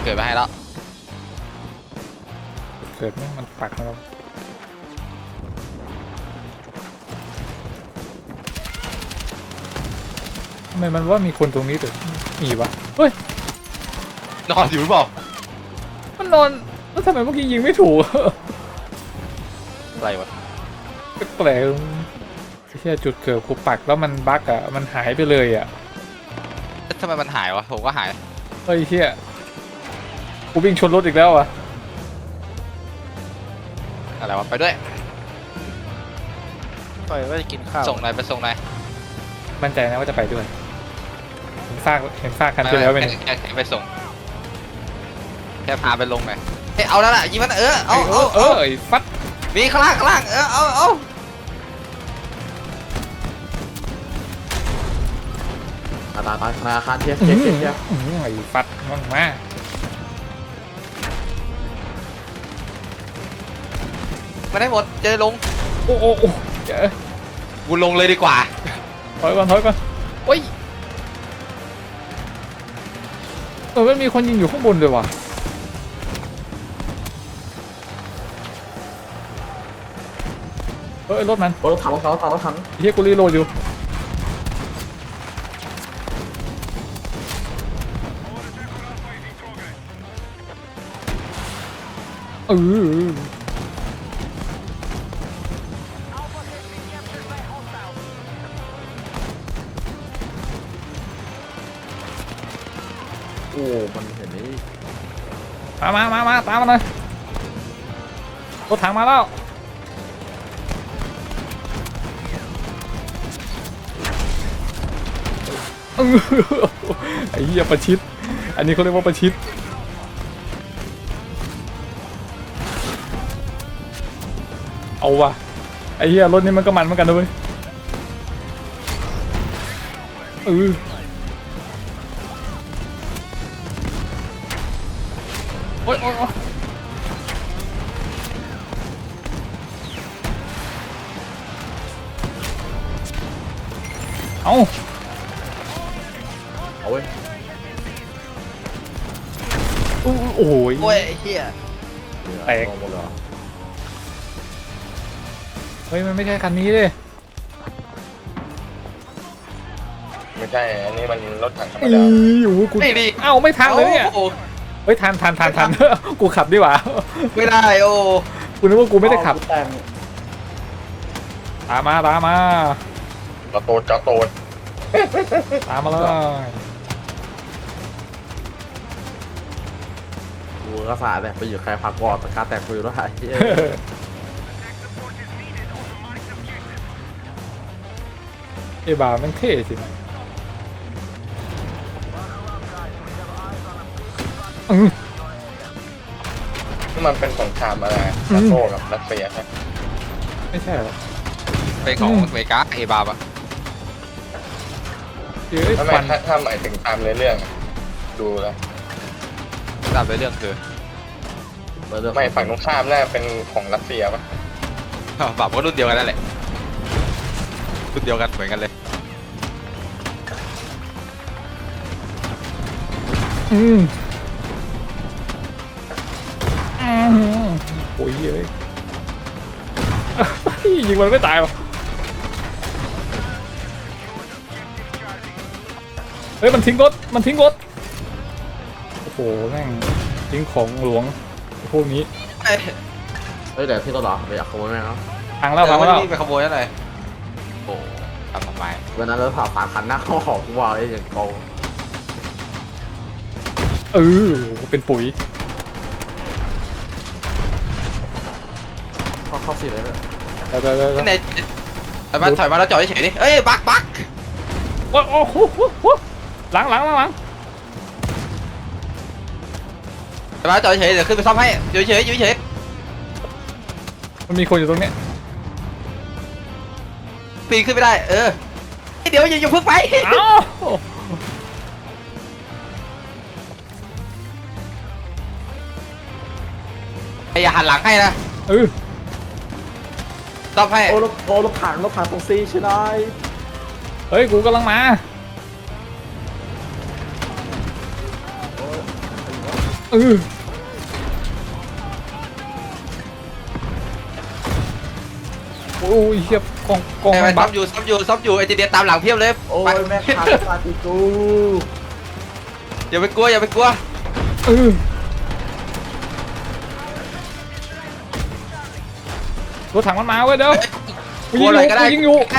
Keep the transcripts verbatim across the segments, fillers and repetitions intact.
เกิดมาให้แล้วเกิดมันปักมาแล้วทำไมมันว่ามีคนตรงนี้แต่มีวะเฮ้ยนอนอยู่หรือเปล่ามันนอนแล้วทำไมเมื่อกี้ยิงไม่ถูกอะไรวะแปลกๆแค่จุดเกิดกูปักแล้วมันบั๊กอ่ะมันหายไปเลยอ่ะทำไมมันหายวะผมก็หายเฮ้ยเชี่ยกูวิ่งชนรถอีกแล้วอ่ะอะไรวะไปด้วยไปว่าจะกินข้าวส่งนายไปส่งนายมั่นใจนะว่าจะไปด้วยเห็นซากเห็นซากคันที่แล้วไปแค่ไปส่งแค่พาไปลงหน่อยเฮ้ยเอาแล้วล่ะยิงมันเออเอาเอาเออไอ้ฟัดมีข้างล่างข้างล่างเออเอาเอาตาตาตาธนาคารเทียบเทียบเทียบเทียบไอ้ฟัดมั่งมาไม่ได้หมดเจอลงโอ้โอ้โอ้เจอกูลงเลยดีกว่าถอยก่อนถอยก่อนโอ้ยเออมันมีคนยิงอยู่ข้างบนด้วยว่ะเฮ้ยรถมันรถถังรถถังรถถังรถถังเฮียกูรีโหลดอยู่เออโอ้มันเห็นนี่มามามามาตามมาเลยรถถังมาแล้วไอ้เหี้ยประชิดอันนี้เขาเรียกว่าประชิดเอาว่ะไอ้เหี้ยรถนี้มันก็มันเหมือนกันด้วยเออโอ๊ยโอ๊ยเอาเอาเว้ยโอ้โหโอ้ยเฮียแตกเฮ้ยมันไม่ใช่คันนี้เลยไม่ใช่อันนี้มันรถถังธรรมอีดาอยู่กูเอ้าไม่ทันเลยเนี่ยเฮ้ยทันทันทันทันกูขับดีกว่าไม่ได้โอ้กูนึกว่ากูไม่ได้ขับตามมาตามมากระโดดกระโดดตามมาเลยกูก็สาดเลยไปอยู่ใครพักกอดตะการแตกฟิวแล้วไอ้ไอ้บาร์มันเท่สินี่มันเป็นสงครามอะไรนาโต้กับรัสเซียใช่ไม่ใช่หรอเป็นของอเมริกาเอบาบอะทำไมถ้าถ้าหมายถึงตามเรื่องดูแล้วตามเรื่องคือไม่ฝั่งตรงข้ามน่าเป็นของรัสเซียปะบาบก็รุ่นเดียวกันนั่นแหละรุ่นเดียวกันเหมือนกันเลยอืมโอ้ยเฮ้ยยิงมันไม่ตายวะเฮ้ยมันทิ้งรถมันทิ้งรถโอ้โหแม่งทิ้งของหลวงพวกนี้เฮ้ยเดี๋ยวที่รถหรอไปอยากขโมยไหมครับพังแล้วพังแล้วไปขโมยอะไรโอ้ทำทำไมวันนั้นเราผ่าผ่านคันหน้าเข้าหอกว่าไอ้อย่างโกงเออเป็นปุ๋ยเข้าเข้าสิเลยเนี่ยเดี๋ยวเดี๋ยวเดี๋ยวไหนถอยมาถอยมาแล้วจอดเฉยดิเอ้ยบักบักโอ้โหหลังหลังหลังหลังถอยมาจอดเฉยเดี๋ยวขึ้นไปซ่อมให้อยู่เฉยอยู่เฉยมันมีคนอยู่ตรงนี้ปีนขึ้นไม่ได้เออเดี๋ยวอย่าอย่าพึ่งไปอย่าหันหลังให้นะเออซ่อมให้โอ้รถโอ้รถถังรถถังตรงซีใช่ไหมเฮ้ยกูกำลังมาเอเออโอ้ยเฮียกองกองไปไปบัซ้อก มอยู่ซ้อมอยู่ซ้อมอยู่ไอจีเดียตามหลังเพียบเลยโอ้ยไปแม่ขาดตาติกูอย่าไปกลัวอย่าไปกลัวเออรถถังมันมาเว้ยเดี๋ยวกลัวอะไรก็ได้ยิงอยู่ใกล้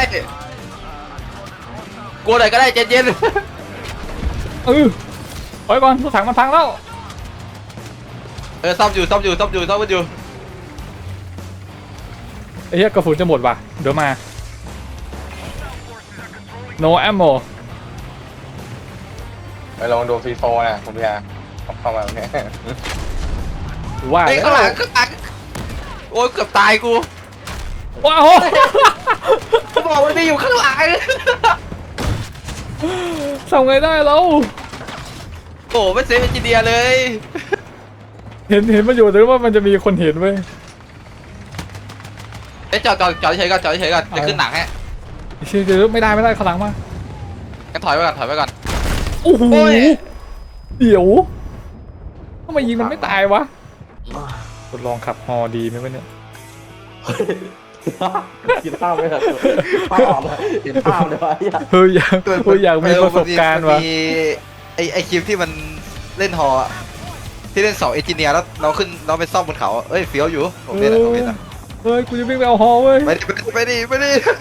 กลัวอะไรก็ได้ใจเย็นเออถอยก่อนรถถังมันพังแล้วเออซ้อมอยู่ซ้อมอยู่ซ้อมอยู่ซ้อมอยู่ไอ้เหี้ยกระสุนจะหมดว่ะเดี๋ยวมา no ammo ไปลองดูฟรีโฟนะคุณพี่อาเข้ามาเนี่ยว่าไอ้แล้ข้างหลังวข้างหลังโอ้ยเกือบตายกูว้าวกูบอกมันไม่อยู่ข้างหลังทำไงได้เราโอ้ไม่เซฟเอนจิเนียร์เลยเห็นเห็นมันอยู่แต่ว่ามันจะมีคนเห็นเว้ยไอ้ยจอดจอดจอดเฉยก่อนจอดเฉยก่อนจะขึ้นหนังให้เชื่อเดี๋ยวไม่ได้ไม่ได้ข้างหลังมางั้นถอยไปก่อนถอยไปก่อนโอ้โหโอ้ยเดี๋ยวทำไมยิงมันไม่ตายวะทดลองขับฮอดีไหมวะเนี่ยกินข้าวไม่ทันภาพเลยกินข้าวเลยวะไอ้เหี้ยเฮ้ยอยากเฮ้ยอยากมีประสบการณ์มันวะมีไอไอคลิปที่มันเล่นฮออะที่เล่นเสาเอนจิเนียร์แล้วเราขึ้นเราไปซ่อมบนเขาอะเอ้ยเฟี้ยวอยู่ผมเล่นอะผมเล่นอะเฮ้ยกูจะวิ่งไปเอาฮอเว้ยไปดิไปดิไปดิไปดิ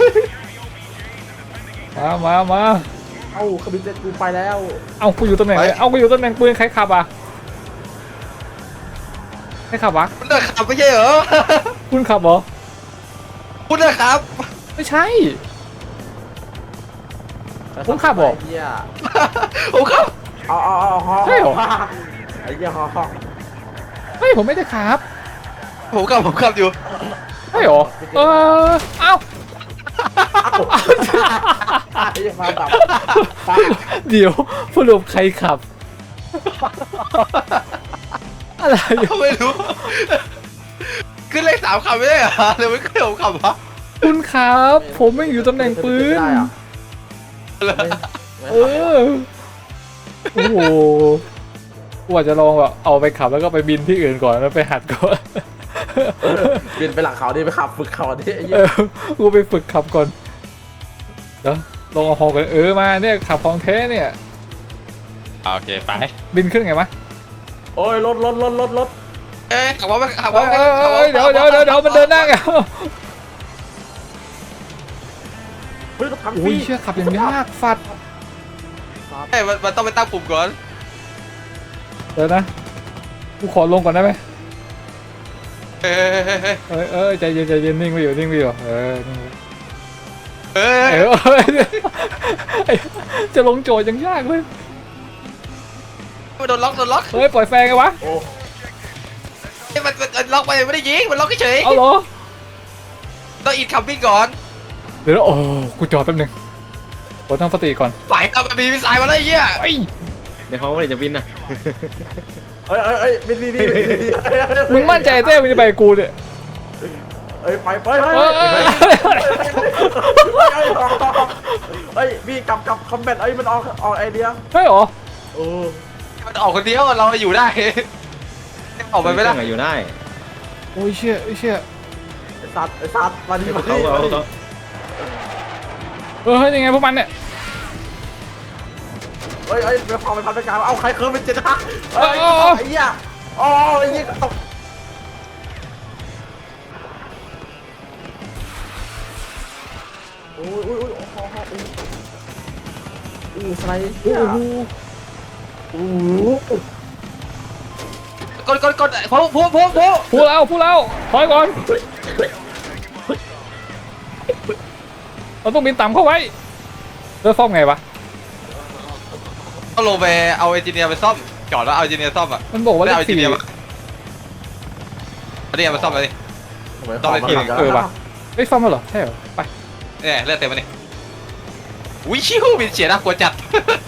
มามามาเอ้าเครื่องบินเจ็ตกูไปแล้วเอากูอยู่ตำแหน่งไหนเอากูอยู่ตำแหน่งปืนใครขับอ่ะใครขับวะคุณเดินขับไม่ใช่เหรอคุณขับเหรอคุณเดินขับไม่ใช่ ผมขับเหรอไอ้เหี้ยผมขับเอาเอาเอาฮอใช่เหรอไอ้เหี้ยฮอฮอเฮ้ยผมไม่ได้ขับผมขับผมขับอยู่ใช่เหรอเออเอ้าไอ้เหี้ยมาดับเดี๋ยวสรุปใครขับ อะไรไม่รู้ขึ้นเลขสามขับไม่ได้เหรอหรือไม่ขึ้นผมขับวะคุณครับ ผมไม่อยู่ตำแหน่งปืนไม่ได้อะเออ โอ้โหกูอาจจะลองแบบเอาไปขับแล้วก็ไปบินที่อื่นก่อนแล้วไปหัดก่อนบินไปหลังเขาดิไปขับฝึกเขาดิไอ้เหี้เอย อ กูไปฝึกขับก่อน เดี๋ยวลองเอาฮอกันเออมาเนี่ยขับของแท้เนี่ยโอเคไปบินขึ้นไงวะโอ้ยรถรถรถรถรถเอ้ยขับว่าขับเอว่าอเออเออเดี๋ยวเดี๋ยวเดี๋ยวเดี๋ยวมันเดินหน้าไงเฮ้ยรถถังฟโอ้รียเชื่อขับอย่างยากฟัดเอ้ยมันมันต้องไปตั้งปุ่มก่อนเดี๋ยวนะ กูขอลงก่อนได้ไหมเฮ้ยเฮ้ยเฮ้ยเออเออใจเย็นใจเย็นนิ่งไปอยู่นิ่งไปอยู่เออนิ่งไปเฮ้ยเออเออไอ้จะลงโจทย์ยังยากเลยมันโดนล็อกโดนล็อกเฮ้ยปล่อยแฟงไงวะโอ้เฮ้ยมันมันล็อกไปไม่ได้ยิงมันล็อกเฉยเอาเหรอต้องอินคัมปิ้งก่อนเดี๋ยวนะโอ้กูจอดแป๊บนึงกดตั้งสติก่อนฝ่ายกลับมามีมิสไซล์มาแล้วไอ้เหี้ยไอ้ยเดี๋ยวเขาไม่ได้จะบินนะเอ้ยเอ้ยเอ้ยบินบินบินบินมึงมั่นใจเต้มึงจะไปกับกูเนี่ยเอ้ยไปไปไปเออเออเออเฮ้ยพี่กลับกลับคอมแบทเอ้ยมันออกออกไอเดียใช่เหรอโอ้มันออกคนเดียวเราอยู่ได้ออกไปไม่ได้เครื่องอะอยู่ได้โอ้ยเชี่ยเชี่ยไอสัตว์ไอสัตว์มาดิมาดิเขาเขาเขาเออเฮ้ยยังไงพวกมันเนี่ยเฮ้ยเฮ้ยไปพอไปพันไปกลางเอาใครเคิร์ฟเป็นเจ็ดฮะเฮ้ยไอ้เหี้ยอ๋อไอ้เหี้ยตกโอ้ยโอ้ยโอ้ยโอ้โหอู้สไลด์โอ้โหอู้กดกดกดพูพูพูพูพูดแล้วพูดแล้วถอยก่อนเราต้องบินต่ำเข้าไว้แล้วซ่อมไงวะต้องลงไปเอาเอนจิเนียร์ไปซ่อมจอดแล้วเอาเอนจิเนียร์ซ่อมอ่ะมันบอกว่าเลได้ขเอาเอนจิสี่เนียร์มาเอาเอนจิเนียร์มาซ่อมเลยดิต้องไปเออว่ะเฮ้ยซ่อมแล้วเหรอใช่เหรอไปเนี่ยเลือดเต็มมานี่วิชิวบินเฉียดนะกลัวจัด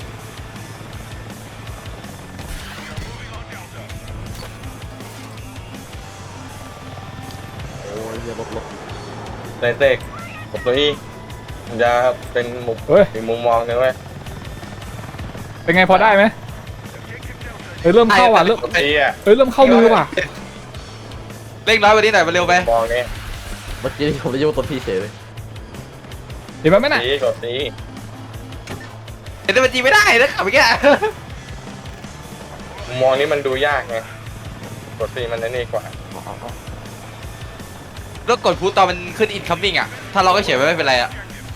โอ้ยเหี้ยลบลบเต้เต้ผมตัวนี้มันจะเป็นมุมเฮ้ยอีกมุมมองหนึงเว้ยเป็นไงพอได้ไหมเฮ้ยฮ้ยเริ่มเข้าว่ะเริ่มไอ้เหี้ยเฮ้ยเริ่มเข้ามือว่ะเร่งน้อยกว่านี้หน่อยมันเร็วไปมองนี่เมื่อกี้ผมได้ยินว่าตัวพี่เฉยเลยเห็นไหมไหมน่ะสีกดสีเห็นแต่มันจีไม่ได้นะขับไปแค่มองนี่มันดูยากไงกดสีมันนั่นนี่กว่าแล้วกดพูดตอนมันขึ้น incoming อ่ะถ้าเราก็เฉยไว้ไม่เป็นไรอ่ะ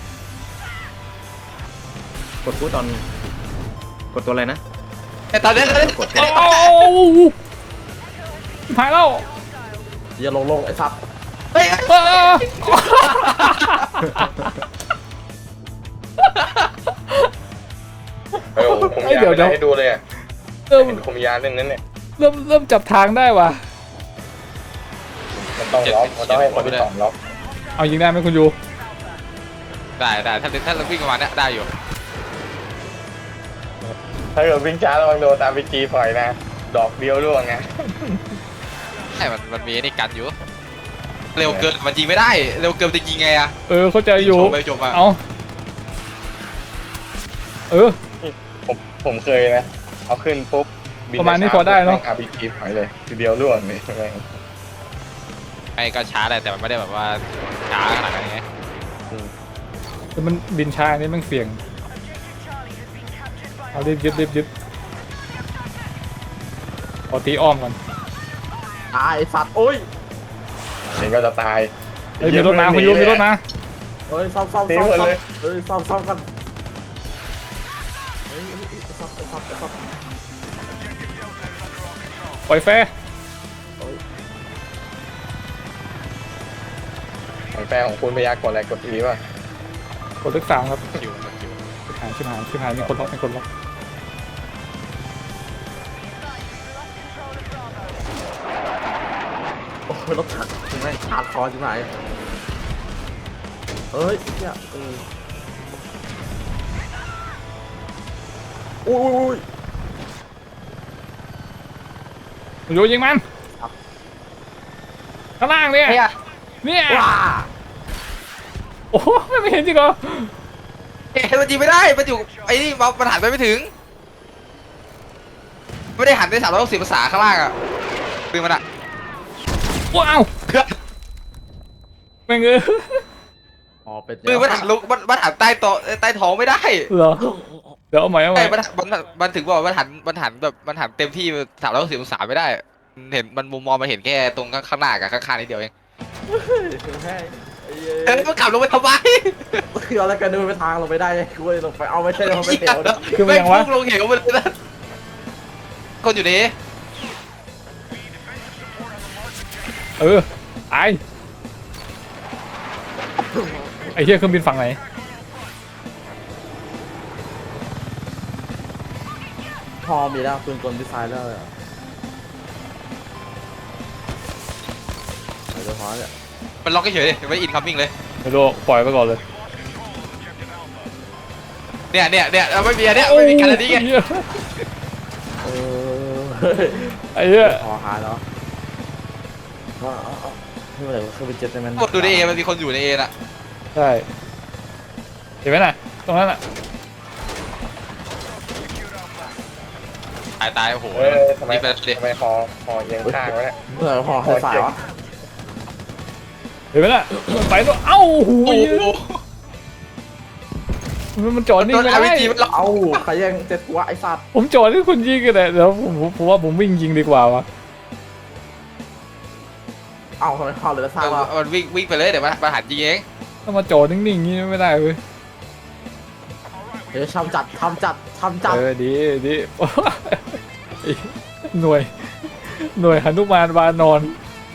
กดพูดตอนกดตัวอะไรนะแต่ตอนนี้กดโอ้โหหายแล้วอย่าลงลงไอ้สัตว์เฮ้ยเออเออผมอยากไปให้ดูเลยอ่ะเริ่มเห็นคมยาเล่นนั้นเนี่ยเริ่มเริ่มจับทางได้ว่ะมันต้องล็อกมันต้องให้คนที่สองล็อกเอายิงได้ไหมคุณยูได้ได้ถ้าถ้าเราวิ่งประมาณนี้ได้อยู่ถ้าเกิดวิ่งช้าระวังโดนตามไปจีปล่อยนะดอกเดียวร่วงไงใช่มันมันมีนี่กันอยู่เร็วเกินมันยิงไม่ได้เร็วเกินจะยิงไงอ่ะเออเข้าใจอยู่โจมไปโจมมาเอาเออผมผมเคยนะเอาขึ้นปุ๊บประมาณนี้พอได้เนอะอาร์พีจีปล่อยเลยทีเดียวร่วงเลยไอ้ก็ช้าแหละแต่มันไม่ได้แบบว่าช้าขนาดนั้นไงแต่มันบินช้าอันนี้มันเสี่ยงเอารีบยึดรีบยึดเอาตีอ้อมก่อนตายไอ้สัตว์โอ้ยเห็นก็จะตายเฮ้ยมีรถมาคุณยูมีรถมาเฮ้ยซ่อมซ่อมตีซ่อมหมดซ่อมเลยเฮ้ยซ่อมซ่อมกันเฮ้ยซ่อมซ่อมซ่อมซ่อมปล่อยแฟร์ของแฟนของคุณพยากรณ์อะไรกดอีป่ะกดเลขสามครับคิวคิวชิบหายชิบหายชิบหายมีคนล็อกมีคนล็อกโอ้ยรถถังถึงไหมขาดคอใช่ไหมเฮ้ยเนี่ยเอออุ้ยคุณยูยิงมันข้างล่างเนี่ยเนี่ยว้าโอ้โหไม่เห็นจริงเหรอเอ๊ะมันยิงไม่ได้มันอยู่ไอ้นี่มันหันไปไม่ถึงไม่ได้หันได้สามร้อยหกสิบองศาข้างล่างอ่ะปืนมันอ่ะว้าวแม่งเอออ๋อเป็นปืนมันหันลงมันมันหันใต้โต๊ะใต้ท้องไม่ได้เหรอเดี๋ยวเอาใหม่เอาใหไอ้ม่มันมันมันถึงบอกว่ามันหันมันหันแบบมันหันเต็มที่สามร้อยหกสิบองศาไม่ได้เห็นมันมุมมองมันเห็นแค่ตรงข้างหน้ากับข้างๆนิดเดียวเองแค่ไอ้เอ้ยมันขับลงไปทำไมคือเอาแล้วกันเดินไปทางลงไปได้กูเลยลงไปเอาไม่ใช่ลงไปเหวนะคือมันยังวะแพุ่ลงเหวไปเลยนะคนอยู่นี่เออไอไอ้เหี้ยเครื่องบินฝั่งไหนพอมีแล้วปืนกลดีไซน์แล้วเลยเดี๋ยวพอเนี่ยมันล็อกเฉยๆเลยไม่อินคัมมิ่งเลยไม่รู้ปล่อยไปก่อนเลยเนี่ยเนี่ยเนี่ยเราไม่มีอันเนี้ยไม่มีการอันนี้ไงเออไอ้เหี้ยพอหายแล้วว่าเอาเอาไม่เป็นไรคือเป็นเจ็ตในมันกดดูในเอมันมีคนอยู่ในเอน่ะใช่เห็นไหมน่ะตรงนั้นน่ะตายตายโอ้โหเออทำไมนี่เป็นเด็กทำไมคอคอเอียงข้างวะเนี่ยเมื่อพอให้สายวะเห็นไหมน่ะไปตัวเอ้าหูโอ้โหมันมันจอดนิ่งโดนไม่อาร์พีได้จีมันล็อกเอาใครยังเจ็ตกูวะไอ้สัตว์ผมจอดที่คุณยิงกันเลยเดี๋ยวผมผมผมว่าผมวิ่งยิงดีกว่าวะเอาทำไมพอเหลือสร้างวะมันวิ่งวิ่งไปเลยเดี๋ยวมันมันหันยิงเองถ้ามาจอดนิ่งๆอย่างนี้ไม่ได้เว้ยเดี๋ยวทำจัดทำจัดทำจัดเออดีดีหน่วยหน่วยหนุมานวานอน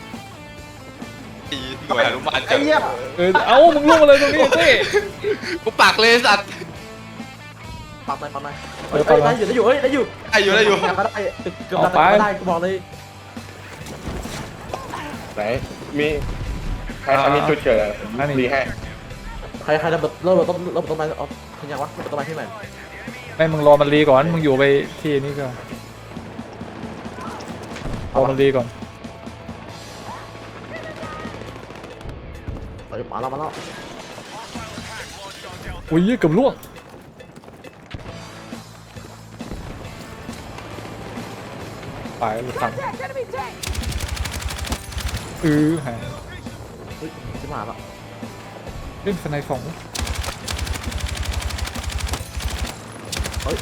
หน่วยอนุมานไอ้เหี้ยเออเอ้ามึงล่วงมาเลยตรงนี้สิกูปากเลยสัตว์ปักหน่อยปักหน่อยเฮ้ยได้อยู่ได้อยู่เฮ้ยได้อยู่ได้อยู่ได้อยู่ก็ได้เกือบได้ก็ได้กูบอกเลยไหนมีใครใครมีจุดเกิดอะไรดีให้ใครใครระเบิดระเบิดต้นระเบิดต้นไม้อ๋อเห็นยังวะระเบิดต้นไม้ที่ไหนไม่มึงรอมันรีก่อนมึงอยู่ไปที่นี่ก่อนรอมันรีก่อนเฮ้ยมาแล้วมาแล้วอุ้ยเกือบล่วงไปรถถังเออหายเฮ้ยขึ้นมาแล้วเล่นสไนสองเฮ้ย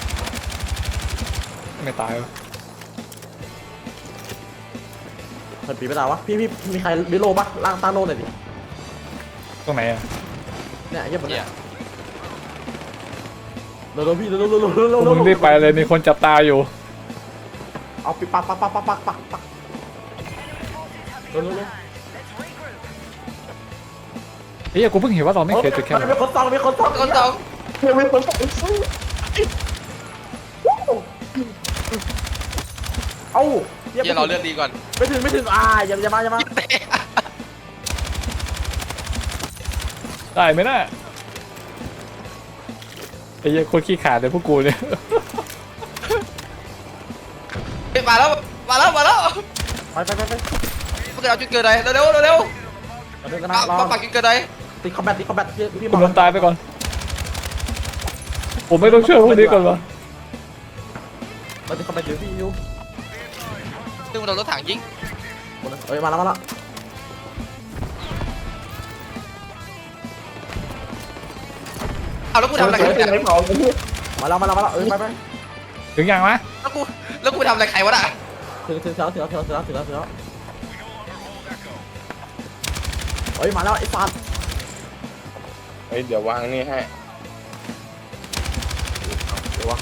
ไม่ตายวะเปิดปีไม่ได้วะพี่พี่มีใครบิโลปะล่างตาโลหน่อยดิตรงไหนอ่ะเนี่ยไอ้เหี้ยบนเนี่เนี่ย ยเร็วๆพี่เร็วๆเร็วๆเร็วๆเร็วพวกมึงรีบไปเลยมีคนจับตาอยู่เอาปิดปักปักปักปักปักปักปักเร็วๆเร็วเฮ้ยกูเพิ่งเห็นว่าเราไม่เคยจุดแค่มันมีคนส่องมีคนส่องคนสองมีคนส่องเอ้าเฮียเราเลือดดีก่อนไม่ถึงไม่ถึงอ่าอย่าอย่ามาอย่ามาได้ไหมน่ะไอ้เหี้ยโคนขี้ขาดเลยพวกกูเนี่ยเฮ้ยมาแล้วมาแล้วมาแล้วไปไปไปไปพวกเราจุดเกิดไหนเร็วเร็วเร็วมาเดินกันมานะรอมาปักจุดเกิดไหนตีคอมแบทตีคอมแบทพี่พี่ผมล้มตายไปก่อน ผมไม่ต้องช่วยพวกนี้ก่อนวะมาตีคอมแบทอยู่พี่ยูซึ่งมันโดนรถถังยิงเอ้ยมาแล้วมาแล้วเอาแล้วกูทำอะไรใครวะเนี่ยมาแล้วมาแล้วมาแล้วเอ้ยไปไปถึงยังวะแล้วกูแล้วกูทำอะไรใครวะน่ะถึงถึงแล้วถึงแล้วถึงแล้วถึงแล้วถึงแล้วเฮ้ยมาแล้วไอ้สัตว์เฮ้ยเดี๋ยววางนี่ให้เดี๋ยววะ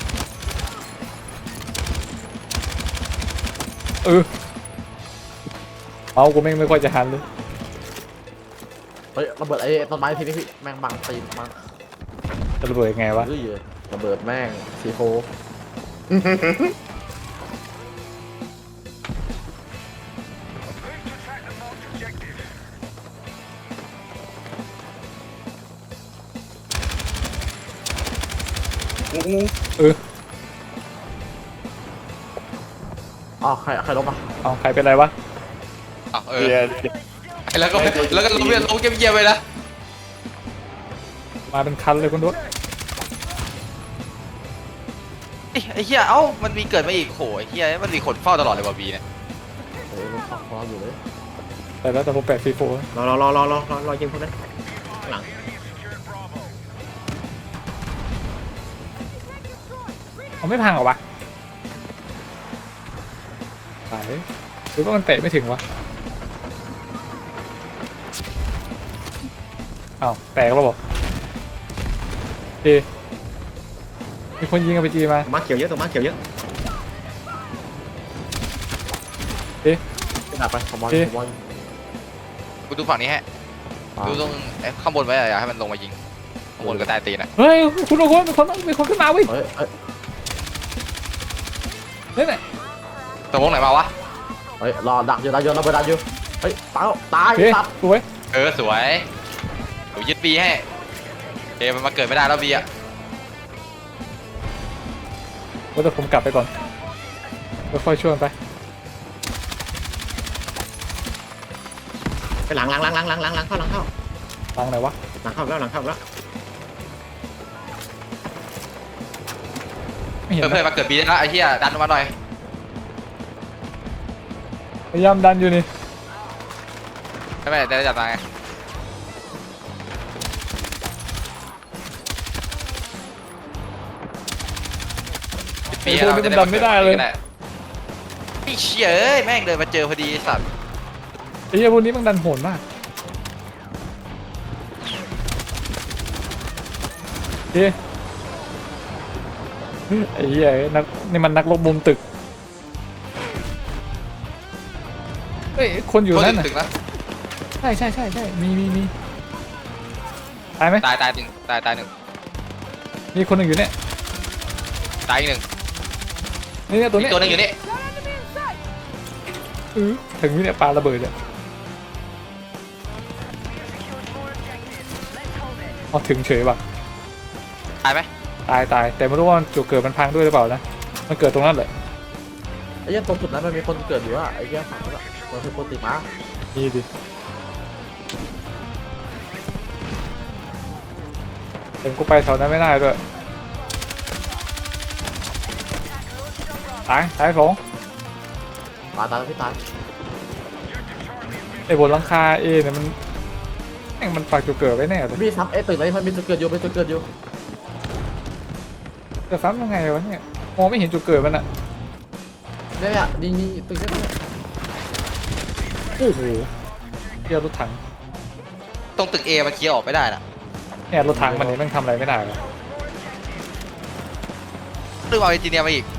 เออเอากูแม่งไม่ค่อยจะหันเลยเฮ้ยระเบิดไอ้ต้นไม้ทีนี้พี่แม่งบังตีนบังจะระเบิดยังไงวะเฮ้ยระเบิดแม่งซีโฟเอออ๋อใครใครลบอ่ะเอาใครเป็นไรวะอ้าวเออเดี๋ยวแล้วก็แล้วก็ลงเรียนลงเยี่ยมๆไปนะมาเป็นคันเลยคุณด้วยไอ้เหี้ยเอ้ามันมีเกิดมาอีกโหไอ้เหี้ยมันมีคนเฝ้าตลอดเลยว่ะบีเนี่ยเฮ้ยมันของเราอยู่เลยแต่แล้วแต่ผมแปดซีโฟรอรอรอรอรอรอรอยิงพวกนั้นข้างหลังเขาไม่พังเหรอวะตายหรือว่ามันเตะไม่ถึงวะอ้าวแตกแล้วบอกดีมีคนยิงกับไปจีมามาเขียวเยอะตัวมาเขียวเยอะกระดาษไปขโมยขโมยกูดูฝั่งนี้ฮะดูตรงไอ้ข้างบนไว้อย่าให้มันลงมายิงข้างบนก็ใต้ตีนอ่ะเฮ้ยคุณโอ้โหมีคนมีคนขึ้นมาเว้ยเฮ้ยเฮ้ยเฮ้ยเนี่ยตรงวงไหนมาวะเฮ้ยรอดักอยู่ดักอยู่ระเบิดดักอยู่เฮ้ยตายตายเฮ้ยสัตว์สวยเออสวยเดี๋ยวยึดบีให้เอมันมาเกิดไม่ได้แล้วบีอ่ะว่าแต่ผมกลับไปก่อนแล้วค่อยช่วยมันไปไปหลังหลังหลังหลังหลังหลังหลังเข้าหลังเข้าตังไหนวะหลังเข้าแล้วหลังเข้าแล้วไม่เห็นเพื่อนนะๆมาเกิดบีได้แล้วไอ้เหี้ยดันมาหน่อยพยายามดันอยู่นี่ไม่ไม่ได้จับตาไงบีไอ้พวกนี้มันดันไม่ได้เลยไอ้เชี่ยเอ้ยแม่งเดินมาเจอพอดีไอ้สัตว์ไอ้เหี้ยพวกนี้มันดันโหดมากเฮ้ยไอ้เหี้ยนักนี่มันนักรบมุมตึกเฮ้ยคนอยู่นั่นน่ะถึงแล้วใช่ใช่ใช่ใช่มีมีมีตายไหมตายตายหนึ่งตายตายหนึ่งมีคนหนึ่งอยู่เนี่ยตายอีกหนึ่งนี่เนี่ยตัวอีเนี้กยตัวหนึงอยู่นี่อื้อถึงนี่เนี่ยปาระเบิดอ่ะเอาถึงเฉยป่ะตายไหมตายตายแต่ไม่รู้ว่าจุดเกิดมันพังด้วยหรือเปล่านะมันเกิดตรงนั้นแหละไอ้เหี้ยตรงจุดนั้นมันมีคนเกิดอยู่อ่ะไอ้เหี้ยฝั่งนั้นอะมันคือคนติดมานี่ดิเต็มกูไปแถวนั้นไม่ได้ด้วยตายตายสองตายตายพี่ตายไอ้บนหลังคาเอเนี่ยมันแม่งมันปักจุดเกิดไว้แน่เลยพี่ซ้ำเอ๊ะตึกไหนมันมีจุดเกิดอยู่เป็นจุดเกิดอยู่จะซ้ำยังไงวะเนี่ยมองไม่เห็นจุดเกิดมันอะเนี่ยนี่นี่ตึกนี้โอ้โหเที่ยวรถถังตรงตึก A มันเคลียร์ออกไม่ได้น่ะเนี่ยรถถังมันเนี่ยแม่งทำอะไรไม่ได้เลยเรื่องเอาเอนจิเนียร์มาอีก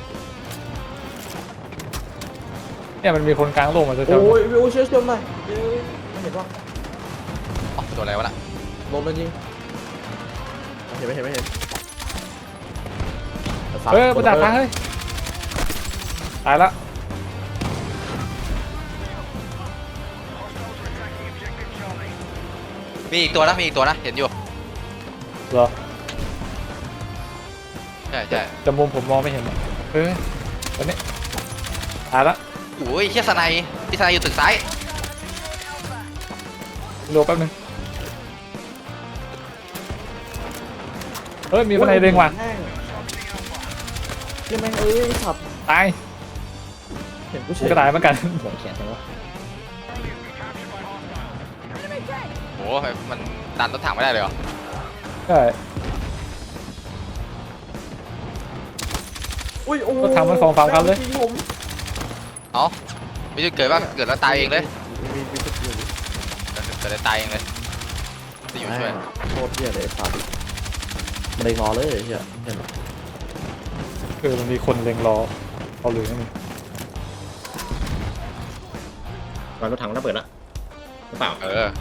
เนี่ยมันมีคนกลางโลกมาจะเจอโอ้ยโอ้ยเชื่อเชื่อมหน่อยไม่เห็นว่าอ๋อโดนอะไรวะน่ะลมเลยจริงเห็นไม่เห็นไม่เห็นเออประดับฟ้าเฮ้ยตายละมีอีกตัวนะมีอีกตัวนะเห็นอยู่เหรอใช่ใช่จมุมผมมองไม่เห็นอะเออตอนนี้ตายละโอ้ยเฮียสไนด์พี่สไนด์อยู่ตึกซ้ายโลแป๊บนึงเฮ้ยมีคนไหนเด้งว่ะยังแม่งเอ้ยขับตายเห็นกูเฉกูยก็ตายเหมือนกันหัวแขนจังวะโอ้ยมันดันรถถังไม่ได้เลยเหรอใช่อุ้ยโอ้ก็ทำมันสองสามครั้งเลยผมเอ้าไม่ใช่เกิดว่าเกิดแล้วตายเองเลยมีมีจุดเกิดอยู่เกิดเกิดแล้วตายเองเลยจะอยู่ช่วยโคตรเหี้ยเลยสัตว์มันเลยงอเลยเหี้ยเห็นเออมันมีคนเล็งรอเอาหรือไม่มีวางรถถังระเบิดละหรือเปล่าเออ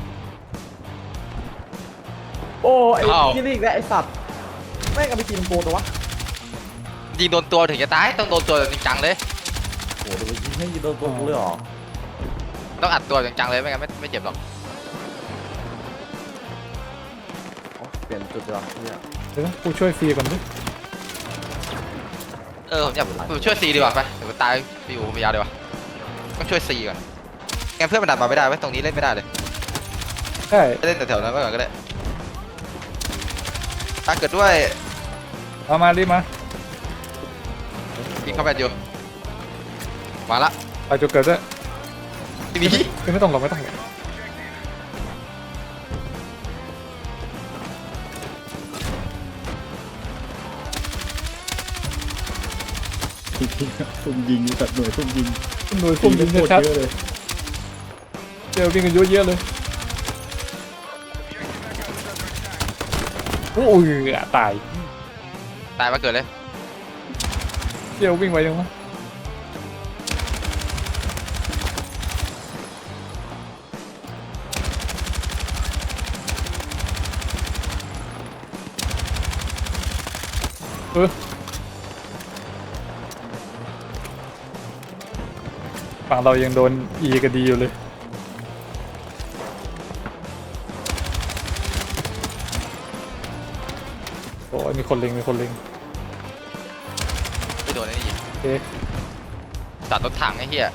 โอ้ไอ้อ้าวยี่นี่อีกแล้วไอ้สัตว์แม่งเอาไปกินโกตัววะยิงโดนตัวถึงจะตายต้องโดนตัวจริงจังเลยโอ้โหเดี๋ยวไปยิงให้ยิงโดนตัวกูเลยเหรอต้องอัดตัวจริงจังเลยไม่งั้นไม่ไม่เจ็บหรอกอ๋อเปลี่ยนจุดเลยเหรอเนี่ยเดี๋ยวนะกูช่วยฟรีก่อนดิเออผมอยากผมช่วยซีดีกว่าไปเดี๋ยวตายไปอยู่ผมยาวดีกว่าต้องช่วยซีก่อนงั้นเพื่อนมันดันมาไม่ได้ไว้ยตรงนี้เล่นไม่ได้เลยใช่เล่นแถวๆนั้นไว้ก่อนก็ได้ถ้าเกิดด้วยเอามารีบมายิงเข้าไปอยู่มาละไปจุดเกิดด้วยทีนี้คือไม่ต้องหรอกไม่ต้องหรอกซุ่มยิงตัดหน่วยซุ่มยิงหน่วยพุ่มยิงโคตรชัดเยอะเลยๆเจอวิ่งกันเยอะแยะเลยโอ้ยอ่ะตายตายมาเกิดเลยเดี๋ยววิ่งไวยังวะเออฝั่งเรายังโดนอีกันดีอยู่เลยโอ้ยมีคนเล็งมีคนเล็งไม่โดนไอ้นี่ยิงโอเคตัดรถถังไอ้เหี้ย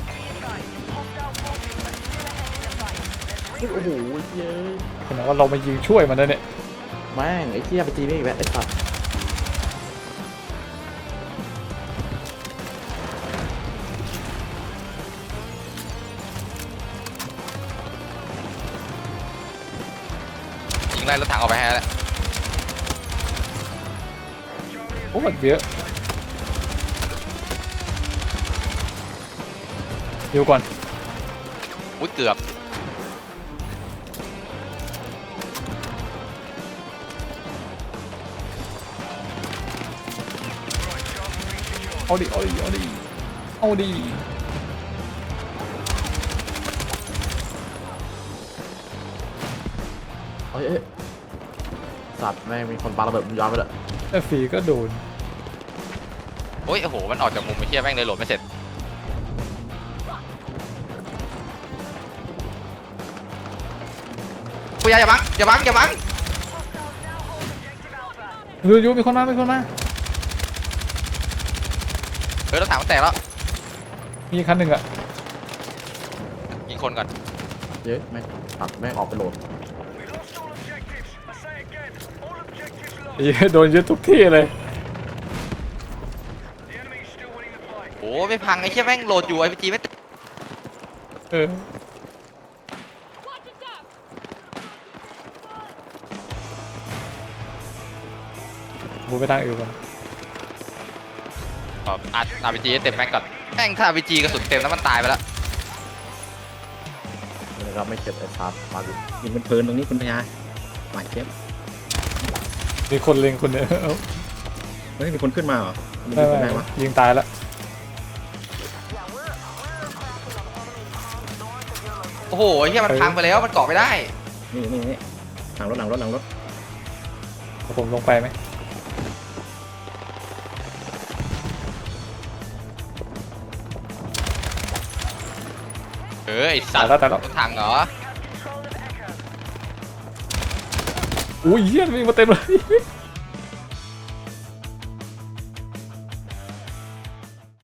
โอ้โหเย้ยขนาดว่าเรามายิงช่วยมันนะเนี่ยแม่งไอ้เหี้ยไปจีนี่อีกแล้วไอ้สัตว์ยิงไล่รถถังออกไปให้แล้วโอ้มันเยอะเดี๋ยวก่อนอุ้ยเกือบเอาดิเอาดิเอาดิเอาดิเอ้ยเอ้ยสัตว์แม่งมีคนปาระเบิดย้อนไปเลยแต่ฟรีก็โดนโอ้ยโอ้โหมันออกจากมุมไอ้เหี้ยแม่งเลยโหลดไม่เสร็จกูอย่าอย่าบังอย่าบังอย่าบังยูยูมีคนมามีคนมาเฮ้ยรถถังมันแตกแล้วมีคันหนึ่งอะยิงคนก่อนเย้ยแม่งตัดแม่งออกไปโหลดไอ้เหี้ยโดนยึดทุกที่เลยโอ้ไม่พังไอ้เชี่ยแม่งโหลดอยู่ไอพีจีไม่ติดเออบูไปทางอื่นก่อนอัดอาร์พีจีเต็มแม็กก่อนแม่งถ้าอาร์พีจีกระสุนเต็มแล้วมันตายไปแล้วนะครับไม่เจ็บไอ้ซาร์มาดูยิงเป็นเพลินตรงนี้คุณพญาหวานเจี๊ยบมีคนเล็งคนเนี่ยเอ้าเฮ้ยมีคนขึ้นมาเหรอมีไม่คนไม่ได้วะยิงตายแล้วโอ้โหไอ้เชี่ยมันพังไปแล้วมันเกาะไม่ได้นี่นี่นี่หลังรถหลังรถหลังรถผมลงไปไหมเออไอสัตว์ตายแล้วตายแล้วรถถังเหรออุ้ยเฮียวิ่งมาเต็มเลย